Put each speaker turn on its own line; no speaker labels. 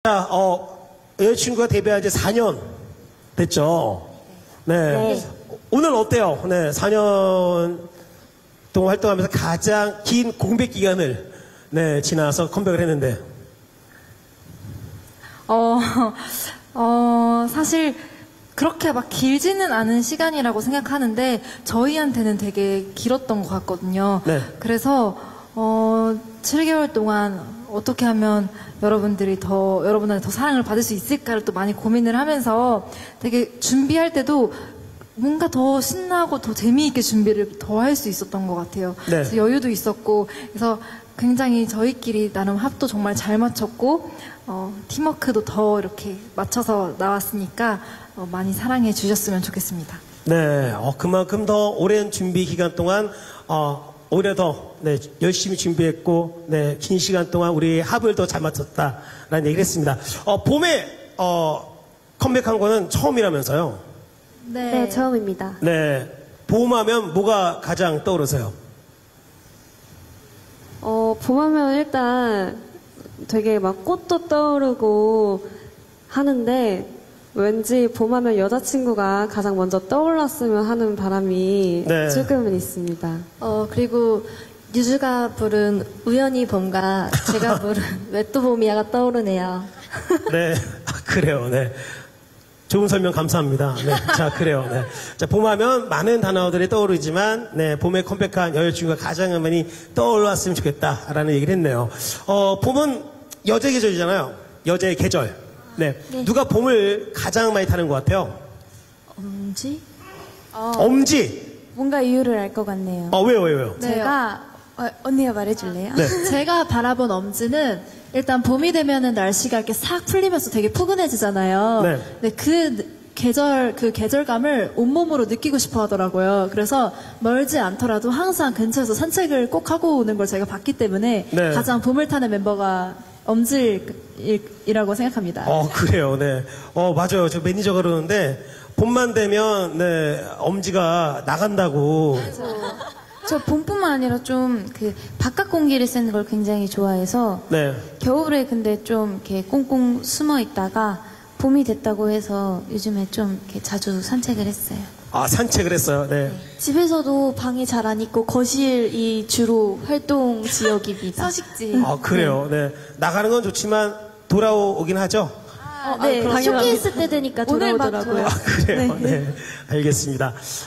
자, 여자친구가 데뷔한 지 4년 됐죠? 네. 오늘 어때요? 네, 4년 동안 활동하면서 가장 긴 공백 기간을 네, 지나서 컴백을 했는데.
사실 그렇게 막 길지는 않은 시간이라고 생각하는데 저희한테는 되게 길었던 것 같거든요.
네.
그래서 7개월 동안 어떻게 하면 여러분한테 더 사랑을 받을 수 있을까를 또 많이 고민을 하면서 되게 준비할 때도 뭔가 더 신나고 더 재미있게 준비를 더 할 수 있었던 것 같아요.
네.
그래서 여유도 있었고 그래서 굉장히 저희끼리 나름 합도 정말 잘 맞췄고 팀워크도 더 이렇게 맞춰서 나왔으니까 많이 사랑해 주셨으면 좋겠습니다.
네, 그만큼 더 오랜 준비 기간 동안 오히려 더 네, 열심히 준비했고 네, 긴 시간 동안 우리 합을 더 잘 맞췄다라는 얘기를 했습니다. 봄에 컴백한 거는 처음이라면서요?
네, 처음입니다.
네, 봄하면 뭐가 가장 떠오르세요?
봄하면 일단 되게 막 꽃도 떠오르고 하는데 왠지 봄하면 여자친구가 가장 먼저 떠올랐으면 하는 바람이
네.
조금은 있습니다.
그리고 유주가 부른 우연히 봄과 제가 부른 왜 또 봄이야가 떠오르네요.
네, 그래요. 네. 좋은 설명 감사합니다. 네, 자, 그래요. 네. 자, 봄하면 많은 단어들이 떠오르지만, 네, 봄에 컴백한 여자친구가 가장 많이 떠올랐으면 좋겠다라는 얘기를 했네요. 봄은 여자의 계절이잖아요. 여자의 계절. 네. 누가 봄을 가장 많이 타는 것 같아요?
엄지?
엄지!
뭔가 이유를 알 것 같네요.
왜요?
제가 언니가 말해줄래요?
네.
제가 바라본 엄지는 일단 봄이 되면은 날씨가 이렇게 싹 풀리면서 되게 포근해지잖아요.
네.
근데 그 계절감을 온몸으로 느끼고 싶어 하더라고요. 그래서 멀지 않더라도 항상 근처에서 산책을 꼭 하고 오는 걸 제가 봤기 때문에
네.
가장 봄을 타는 멤버가 엄지이라고 생각합니다.
그래요. 네. 맞아요. 저 매니저가 그러는데, 봄만 되면, 네, 엄지가 나간다고.
저 봄뿐만 아니라 좀 그 바깥 공기를 쐬는 걸 굉장히 좋아해서
네.
겨울에 근데 좀 이렇게 꽁꽁 숨어 있다가 봄이 됐다고 해서 요즘에 좀 이렇게 자주 산책을 했어요.
산책을 했어요. 네.
집에서도 방에 잘 안 있고 거실이 주로 활동 지역입니다.
서식지.
그래요. 네. 나가는 건 좋지만, 돌아오긴 하죠?
네, 쇼케이스 때 되니까 돌아오더라고요.
그래요. 네. 알겠습니다.